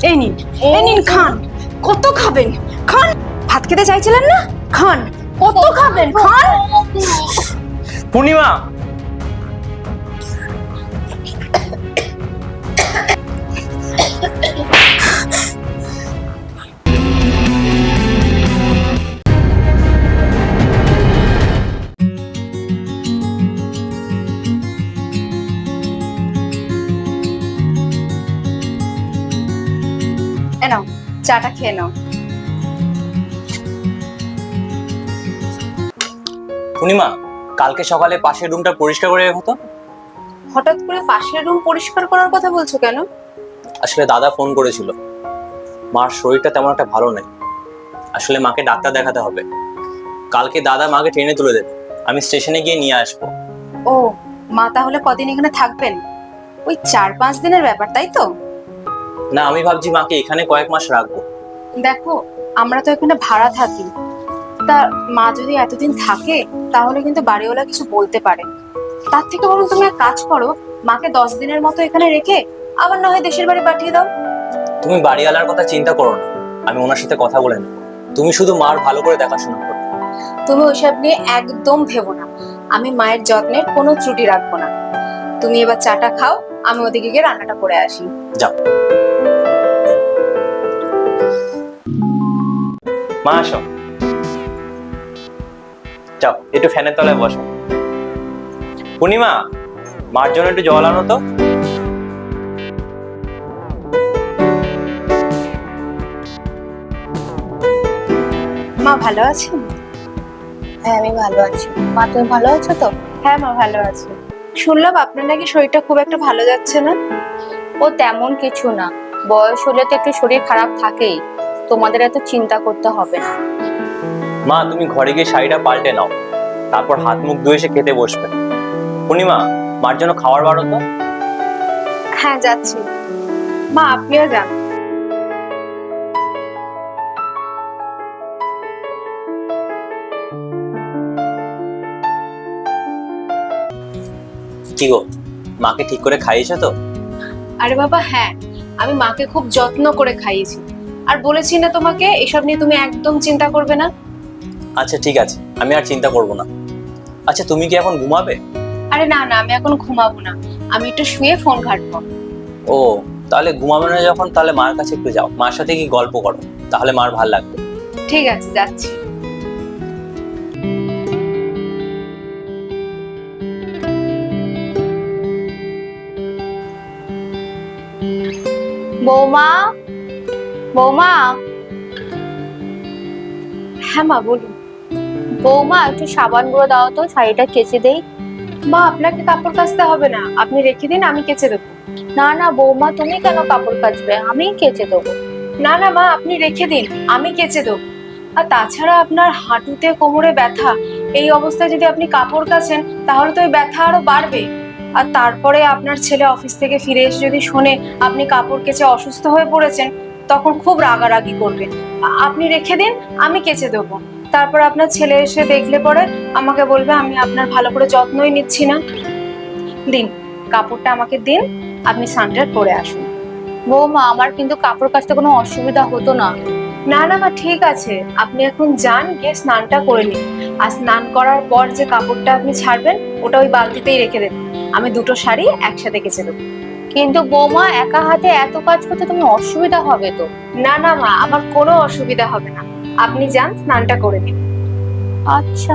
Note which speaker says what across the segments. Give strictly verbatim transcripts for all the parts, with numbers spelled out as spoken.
Speaker 1: এই নিন, এই নিন খান। কত খাবেন? খান। ভাত খেতে চাইছিলেন না? খান। কত খাবেন? খান।
Speaker 2: পূর্ণিমা,
Speaker 1: এ নাও, চাটা খেয়ে নাও।
Speaker 2: পূর্ণিমা, কালকে সকালে পাশের রুমটা পরিষ্কার করে রেখো তো।
Speaker 1: হঠাৎ করে পাশের রুম পরিষ্কার করার কথা বলছো কেন?
Speaker 2: আসলে দাদা ফোন করেছিল, মার শরীরটা তেমন একটা ভালো নেই। আসলে মাকে ডাক্তার দেখাতে হবে। কালকে দাদা মাকে ট্রেনে তুলে দেবে, আমি স্টেশনে গিয়ে নিয়ে আসবো।
Speaker 1: ও, মা তাহলে কদিন এখানে থাকবেন? ওই চার পাঁচ দিনের ব্যাপার, তাই তো?
Speaker 2: না, আমি ভাবছি মাকে এখানে কয়েক মাস রাখবো।
Speaker 1: দেখো, আমরা তো এখানে ভাড়া থাকি। তা মা যদি এতদিন থাকে তাহলে কিন্তু বাড়িওয়ালা কিছু বলতে পারে। তার থেকে বরং তুমি এক কাজ করো, মাকে দশ দিনের মতো এখানে রেখে আবার না হয় দেশের বাড়ি পাঠিয়ে দাও।
Speaker 2: তুমি বাড়িওয়ালার কথা চিন্তা করো না, আমি ওনার সাথে কথা বলে নেবো। তুমি শুধু মার ভালো করে দেখাশোনা করো।
Speaker 1: তুমি ওইসব নিয়ে একদম ভেবো না, আমি মায়ের যত্নের কোনো ত্রুটি রাখবো না। তুমি এবার চাটা খাও, আমি ওদিকে গিয়ে রান্নাটা করে আসি।
Speaker 2: যাও মা, আসো। যাও একটু ফ্যানের তলায় বসো। পূর্ণিমা, মার জন্য একটু জল আনো তো।
Speaker 1: মা ভালো আছেন?
Speaker 3: হ্যাঁ, আমি ভালো আছি। মা, তুমি ভালো আছো তো?
Speaker 1: হ্যাঁ মা, ভালো আছি। শুনলাম আপনার নাকি শরীরটা খুব একটা ভালো যাচ্ছে না।
Speaker 3: ও তেমন কিছু না, বয়স হলে তো একটু শরীর খারাপ থাকেই। তোমাদের এত চিন্তা করতে হবে না।
Speaker 2: মা, তুমি ঘরে গিয়ে শাড়িটা পাল্টে নাও, তারপর হাত মুখ ধুয়ে এসে খেতে বসবে। পূর্ণিমা, মার জন্য খাবার বাড়ো তো।
Speaker 1: হ্যাঁ যাচ্ছি। মা আপনিও যান।
Speaker 2: কি গো, মাকে ঠিক করে খাইয়েছো তো?
Speaker 1: আরে বাবা হ্যাঁ, আমি মাকে খুব যত্ন করে খাইয়েছি। আর বলেছি না তোমাকে, এসব নিয়ে তুমি একদম চিন্তা করবে না।
Speaker 2: আচ্ছা ঠিক আছে, আমি আর চিন্তা করব না। আচ্ছা, তুমি কি এখন ঘুমাবে?
Speaker 1: আরে না না, আমি এখন ঘুমাবো না, আমি একটু শুয়ে ফোন ঘাঁটবো।
Speaker 2: ও, তাহলে ঘুমাবে না যখন, তাহলে মার কাছে একটু যাও, মার সাথে কি গল্প করো, তাহলে মার ভাল লাগবে।
Speaker 1: ঠিক আছে, যাচ্ছি।
Speaker 3: বৌমা, বৌমা,
Speaker 1: হ্যাঁ মা বলুন।
Speaker 3: বৌমা, একটু সাবান গুঁড়ো দাও তো, শাড়িটা কেচে দেই।
Speaker 1: মা আপনাকে কাপড় কাচতে হবে না, আপনি রেখে দিন, আমি কেচে দেবো।
Speaker 3: না না বৌমা, তুমি কেন কাপড় কাচবে? আমিই কেচে দেবো।
Speaker 1: না না মা, আপনি রেখে দিন, আমি কেচে দেবো। আর তাছাড়া আপনার হাঁটুতে কোমরে ব্যথা, এই অবস্থায় যদি আপনি কাপড় কাচেন তাহলে তো ওই ব্যথা আরো বাড়বে। আর তারপরে আপনার ছেলে অফিস থেকে ফিরে এসে যদি শোনে আপনি কাপড় কেচে অসুস্থ হয়ে পড়েছেন, তখন খুব রাগারাগি করবে। আ- আপনি রেখে দিন, আমি কেচে দেবো। তারপর আপনার ছেলে এসে দেখলে পরে আমাকে বলবে আমি আপনার ভালো করে যত্নই নিচ্ছি না। দিন, কাপড়টা আমাকে দিন, আপনি স্নানটা করে আসুন।
Speaker 3: বৌমা, আমার কিন্তু কাপড় কাচতে কোনো অসুবিধা হতো না।
Speaker 1: না না মা, ঠিক আছে, আপনি এখন যান, গিয়ে স্নানটা করে নিন। আর স্নান করার পর যে কাপড়টা আপনি ছাড়বেন ওটা ওই বালতিতেই রেখে দেবেন, আমি দুটো শাড়ি একসাথে কেচে দেবো।
Speaker 3: কিন্তু বৌমা, একা হাতে এত কাজ করতে তুমি অসুবিধা হবে তো।
Speaker 1: না না মা, আমার কোনো অসুবিধা হবে না, আপনি যান স্নানটা করে নিন।
Speaker 3: আচ্ছা।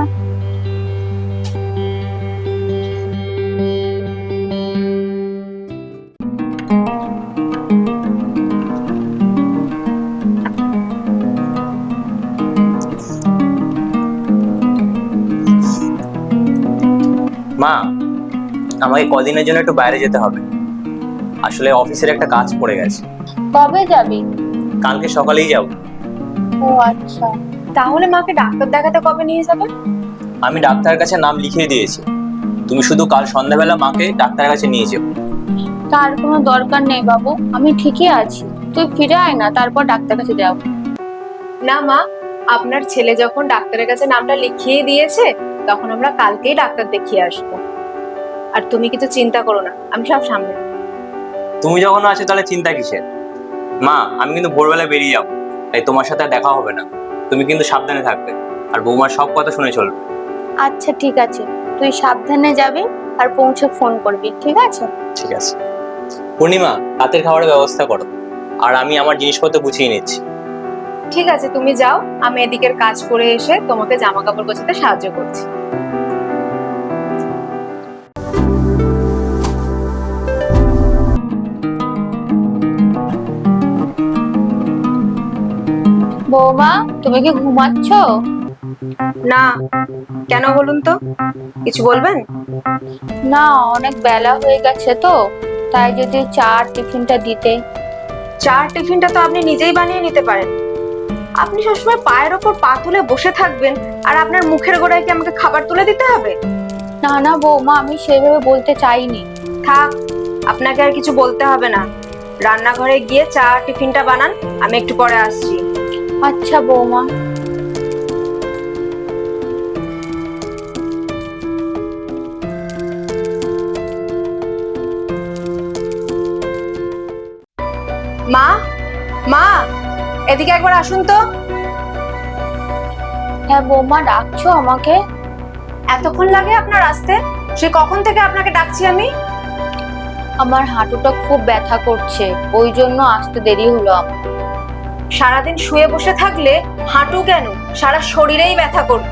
Speaker 2: মা, আমাকে কদিনের জন্য একটু বাইরে যেতে হবে, আসলে অফিসের একটা কাজ পড়ে গেছে।
Speaker 3: কবে যাবি?
Speaker 2: কালকে সকালেই যাব।
Speaker 3: ও আচ্ছা।
Speaker 1: তাহলে মাকে ডাক্তার দেখাতে কবে নিয়ে যাবে?
Speaker 2: আমি ডাক্তারের কাছে নাম লিখিয়ে দিয়েছি, তুমি শুধু কাল সন্ধ্যাবেলা মাকে ডাক্তারের কাছে নিয়ে যাও।
Speaker 3: তার কোনো দরকার নেই বাবু, আমি ঠিকই আছি। তুই ফিরে আয় না, তারপর ডাক্তার কাছে যাও।
Speaker 1: না মা, আপনার ছেলে যখন ডাক্তারের কাছে নামটা লিখিয়ে দিয়েছে তখন আমরা কালকেই ডাক্তার দেখিয়ে আসবো। আর তুমি কিছু চিন্তা করো না, আমি সব সামলে নেবো।
Speaker 2: তুমি যখন আছো তাহলে চিন্তা কিসের? মা, আমি কিন্তু ভোরবেলায় বেরিয়ে যাবো, তাই তোমার সাথে আর দেখা হবে না। তুমি কিন্তু সাবধানে থাকবে, আর বৌমার সব কথা শুনে চলবে।
Speaker 3: আচ্ছা ঠিক আছে, তুই সাবধানে যাবি আর পৌঁছে ফোন করবি, ঠিক আছে?
Speaker 2: ঠিক আছে। পূর্ণিমা, রাতের খাবারের ব্যবস্থা করো, আর আমি আমার জিনিসপত্র গুছিয়ে নিচ্ছি।
Speaker 1: ঠিক আছে, তুমি যাও, আমি এদিকের কাজ করে এসে তোমাকে জামা কাপড় গোছাতে সাহায্য করছি।
Speaker 3: বৌমা, তুমি কি ঘুমাচ্ছ?
Speaker 1: না, কেন বলুন তো, কিছু বলবেন?
Speaker 3: না, অনেক বেলা হয়ে গেছে তো, তাই যদি চা আর টিফিনটা দিতে।
Speaker 1: চার টিফিনটা তো আপনি নিজেই বানিয়ে নিতে পারেন। আপনি সবসময় পায়ের ওপর পা তুলে বসে থাকবেন আর আপনার মুখের গোড়ায় কি আমাকে খাবার তুলে দিতে হবে?
Speaker 3: না না বৌমা, আমি সেভাবে বলতে চাইনি।
Speaker 1: থাক, আপনাকে আর কিছু বলতে হবে না। রান্নাঘরে গিয়ে চা আর টিফিনটা বানান, আমি একটু পরে আসছি।
Speaker 3: আচ্ছা বৌমা।
Speaker 1: মা, মা, এদিকে একবার আসুন তো।
Speaker 3: হ্যাঁ বৌমা, ডাকছো আমাকে?
Speaker 1: এতক্ষণ লাগে আপনার আসতে? সে কখন থেকে আপনাকে ডাকছি আমি।
Speaker 3: আমার হাঁটুটা খুব ব্যথা করছে, ওই জন্য আসতে দেরি হলো আমার।
Speaker 1: সারাদিন শুয়ে বসে থাকলে হাঁটু কেন, সারা শরীরেই ব্যথা করবে।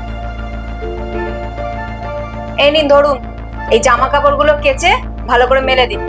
Speaker 1: এই নিন ধরুন, এই জামা কাপড়গুলো কেচে ভালো করে মেলে দিন।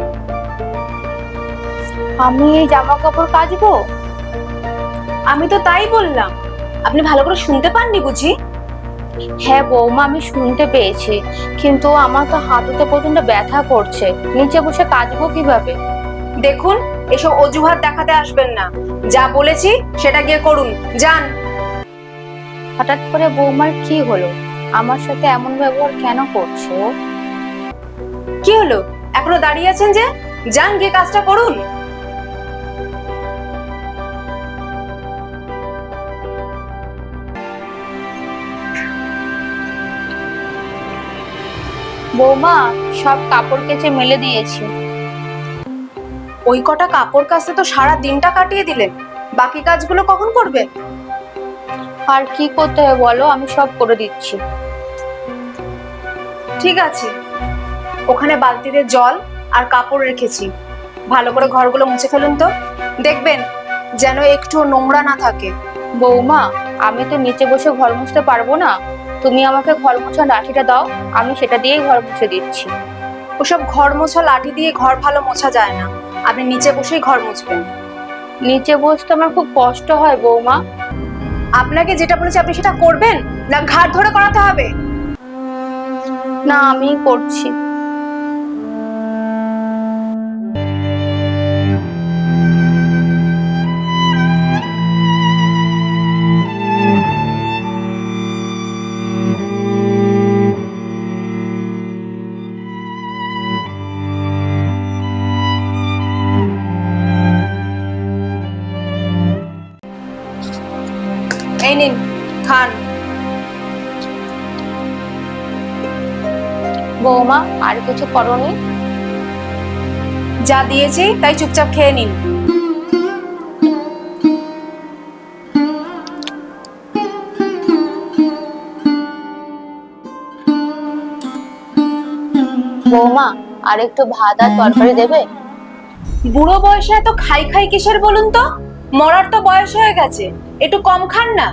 Speaker 3: আমি এই জামা কাপড় কাচবো?
Speaker 1: আমি তো তাই বললাম, আপনি ভালো করে শুনতে পাননি বুঝি?
Speaker 3: হ্যাঁ বৌমা, আমি শুনতে পেয়েছি, কিন্তু আমার তো হাঁটুতে প্রচন্ড ব্যথা করছে, নিচে বসে কাচবো কিভাবে?
Speaker 1: দেখুন, এসব অজুহাত দেখাতে আসবেন না। যা বলেছি সেটা গিয়ে করুন, যান।
Speaker 3: হঠাৎ করে বৌমার কি হলো? আমার সাথে এমন ব্যবহার কেন করছে ও?
Speaker 1: কি হলো, এখনো দাঁড়িয়ে আছেন যে? যান, গিয়ে কাজটা করুন।
Speaker 3: বৌমা, সব কাপড় কেচে মেলে দিয়েছি।
Speaker 1: ওই কটা কাপড় কাচতে তো সারা দিনটা কাটিয়ে দিলেন, বাকি কাজগুলো কখন করবেন?
Speaker 3: আর কি করতে হবে বলো, আমি সব করে দিচ্ছি।
Speaker 1: ঠিক আছে, ওখানে বালতিতে জল আর কাপড় রেখেছি, ভালো করে ঘরগুলো মুছে ফেলুন তো। দেখবেন যেন একটু নোংরা না থাকে।
Speaker 3: বৌমা, আমি তো নিচে বসে ঘর মুছতে পারবো না, তুমি আমাকে ঘর মোছার লাঠিটা দাও, আমি সেটা দিয়েই ঘর মুছে দিচ্ছি।
Speaker 1: ওসব ঘর মোছা লাঠি দিয়ে ঘর ভালো মোছা যায় না, আপনি নিচে বসেই ঘর মুছবেন।
Speaker 3: নিচে বসতে আমার খুব কষ্ট হয় বৌমা।
Speaker 1: আপনাকে যেটা বলেছি আপনি সেটা করবেন, না ঘাট ধরে করাতে হবে?
Speaker 3: না, আমি করছি।
Speaker 1: এই নিন, খান।
Speaker 3: বৌমা, আর কিছু করনি?
Speaker 1: যা দিয়েছি তাই চুপচাপ খেয়ে নিন।
Speaker 3: বৌমা, আর একটু ভাত আর তরকারি দেবে?
Speaker 1: বুড়ো বয়সে এত খাই খাই কিসের বলুন তো? মরার তো বয়স হয়ে গেছে, একটু কম খান না।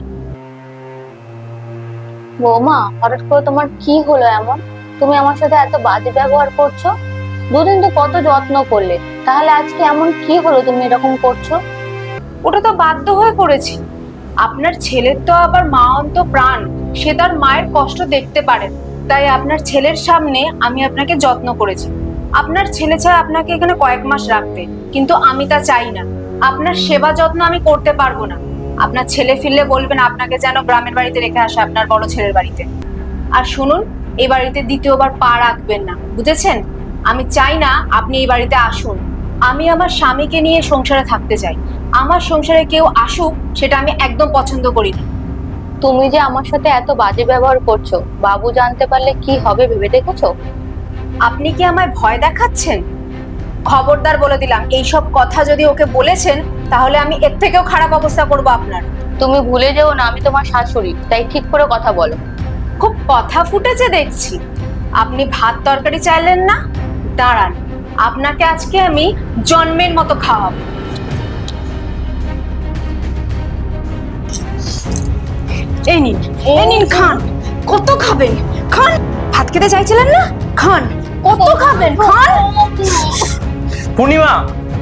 Speaker 3: বৌমা, হঠাৎ করে তোমার কি হলো এমন? তুমি আমার সাথে এত বাজে ব্যবহার করছো। দুদিন তো কত যত্ন করলে, তাহলে আজকে এমন কি হলো তুমি এরকম করছো?
Speaker 1: ওটা তো বাধ্য হয়ে করেছি। আপনার ছেলের তো আবার মা অন্ত প্রাণ, সে তার মায়ের কষ্ট দেখতে পারে, তাই আপনার ছেলের সামনে আমি আপনাকে যত্ন করেছি। আপনার ছেলে চায় আপনাকে এখানে কয়েক মাস রাখতে, কিন্তু আমি তা চাই না। আপনার সেবা যত্ন আমি করতে পারবো না। আপনার ছেলে ফিরলে বলবেন আপনাকে যেন গ্রামের বাড়িতে রেখে আসে, আপনার বড় ছেলের বাড়িতে। আর শুনুন, এই বাড়িতে দ্বিতীয়বার পা রাখবেন না, বুঝেছেন? আমি চাই না আপনি এই বাড়িতে আসুন। আমি আমার স্বামীকে নিয়ে সংসারে থাকতে চাই। আমার সংসারে কেউ আসুক সেটা আমি একদম পছন্দ করি না।
Speaker 3: তুমি যে আমার সাথে এত বাজে ব্যবহার করছো, বাবু জানতে পারলে কি হবে ভেবে দেখেছো?
Speaker 1: আপনি কি আমায় ভয় দেখাচ্ছেন? খবরদার বলে দিলাম, এইসব কথা যদি ওকে বলেছেন তাহলে আমি এর থেকেও খারাপ অবস্থা করব আপনার।
Speaker 3: তুমি ভুলে যেও না আমি তোমার শাশুড়ি, তাই ঠিক করে কথা বলো।
Speaker 1: খুব কথা ফুটেছে দেখছি। আপনি ভাত তরকারি চাইলেন না, দাঁড়ান, আপনাকে আজকে আমি জন্মের মতো খাওয়াবো। এই নিন, এই নিন, খান। কত খাবেন? খান। ভাত খেতে চাইছিলেন না, খান। কত খাবেন? খান।
Speaker 2: পূর্ণিমা,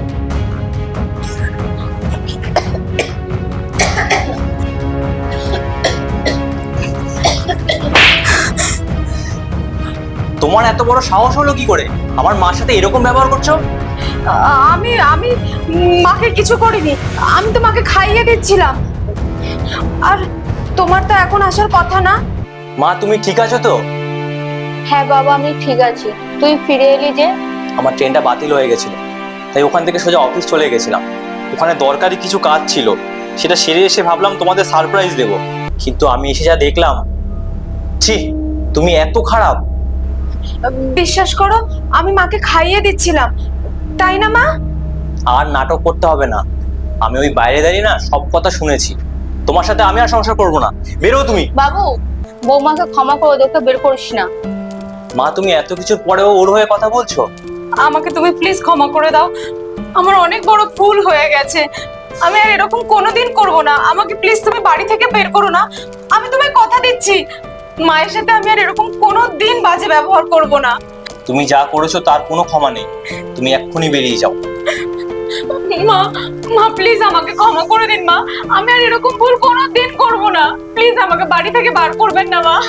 Speaker 2: তোমার এত বড় সাহস হলো কি করে আমার মার সাথে এরকম ব্যবহার করছো?
Speaker 1: আ- আমি আমি মাকে কিছু করিনি, আমি তো মাকে খাইয়ে দিচ্ছিলাম। আর তোমার তো এখন আসার কথা না।
Speaker 2: মা, তুমি ঠিক আছো তো?
Speaker 3: হ্যাঁ বাবা, আমি ঠিক আছি। তুই ফিরে এলি যে?
Speaker 2: আমার ট্রেনটা বাতিল হয়ে গেছিল, তাই ওখান থেকে সোজা অফিস চলে গেছিলাম। ওখানে দরকারি কিছু কাজ ছিল, সেটা সেরে এসে ভাবলাম তোমাদের সারপ্রাইজ দেব, কিন্তু আমি এসে যা দেখলাম, ছি, তুমি এত খারাপ।
Speaker 1: বিশ্বাস করো, আমি মাকে খাইয়ে দিচ্ছিলাম, তাই না মা?
Speaker 2: আর নাটক করতে হবে না, আমি ওই বাইরে দাঁড়িয়ে না সব কথা শুনেছি। তোমার সাথে আমি আর সংসার করবো না, বেরো তুমি।
Speaker 3: বাবু, বৌমাকে ক্ষমা করে দে, ওকে বের করিস না।
Speaker 2: মা, তুমি এত কিছুর পরেও ওর হয়ে কথা বলছো?
Speaker 1: আমাকে তুমি প্লিজ ক্ষমা করে দাও, আমার অনেক বড় ভুল হয়ে গেছে। আমি আর এরকম কোনোদিন করব না। আমাকে প্লিজ তুমি বাড়ি থেকে বের করো না। আমি তোমায় কথা দিচ্ছি, মায়ের সাথে আমি আর এরকম কোনোদিন বাজে ব্যবহার করব না।
Speaker 2: তুমি যা করেছো তার কোনো ক্ষমা নেই, তুমি এক্ষুনি বেরিয়ে যাও।
Speaker 1: মা, মা প্লিজ আমাকে ক্ষমা করে দিন মা, আমি আর এরকম ভুল কোনোদিন করব না। প্লিজ আমাকে বাড়ি থেকে বার করবেন না মা।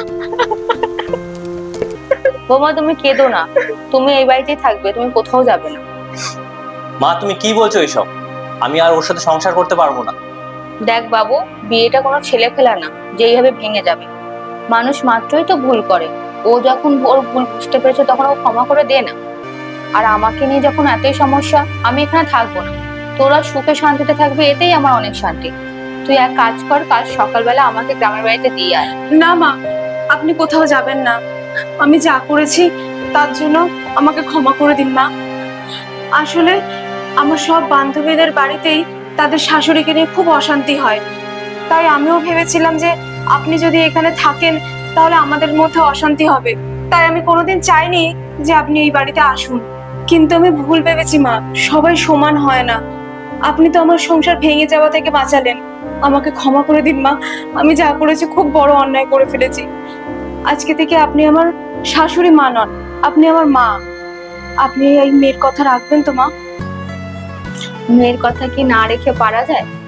Speaker 3: বৌমা তুমি কেঁদো না, তুমি এই বাড়িতেই থাকবে, তুমি কোথাও যাবে না।
Speaker 2: মা, তুমি কি বলছো এইসব? আমি আর ওর সাথে সংসার করতে পারবো না।
Speaker 3: দেখ বাবু, বিয়েটা কোনো ছেলে খেলা না যে এইভাবে ভেঙে যাবে। মানুষ মাত্রই তো ভুল করে, ও যখন ওর ভুল বুঝতে পেরেছে তখন ও ক্ষমা করে দে না। আর আমাকে নিয়ে যখন এতই সমস্যা, আমি এখানে থাকবো না। তোরা সুখে শান্তিতে থাকবে, এতেই আমার অনেক শান্তি। তুই এক কাজ কর, কাল সকালবেলা আমাকে গ্রামের বাড়িতে দিয়ে আয়।
Speaker 1: না মা, আপনি কোথাও যাবেন না। আমি যা করেছি তার জন্য আমাকে ক্ষমা করে দিন মা। আসলে আমার সব বান্ধবীদের বাড়িতেই তাদের শাশুড়িকে নিয়ে খুব অশান্তি হয়, তাই আমিও ভেবেছিলাম যে আপনি যদি এখানে থাকেন তাহলে আমাদের মধ্যে অশান্তি হবে। তাই আমি কোনোদিন চাইনি যে আপনি এই বাড়িতে আসুন, কিন্তু আমি ভুল ভেবেছি মা। সবাই সমান হয় না। আপনি তো আমার সংসার ভেঙে যাওয়া থেকে বাঁচালেন, আমাকে ক্ষমা করে দিন মা। আমি যা করেছি খুব বড় অন্যায় করে ফেলেছি। আজকে থেকে আপনি আমার শাশুড়ি মা নন, আপনি আমার মা। আপনি এই মেয়ের কথা রাখবেন তো মা?
Speaker 3: মেয়ের কথা কি না রেখে পারা যায়?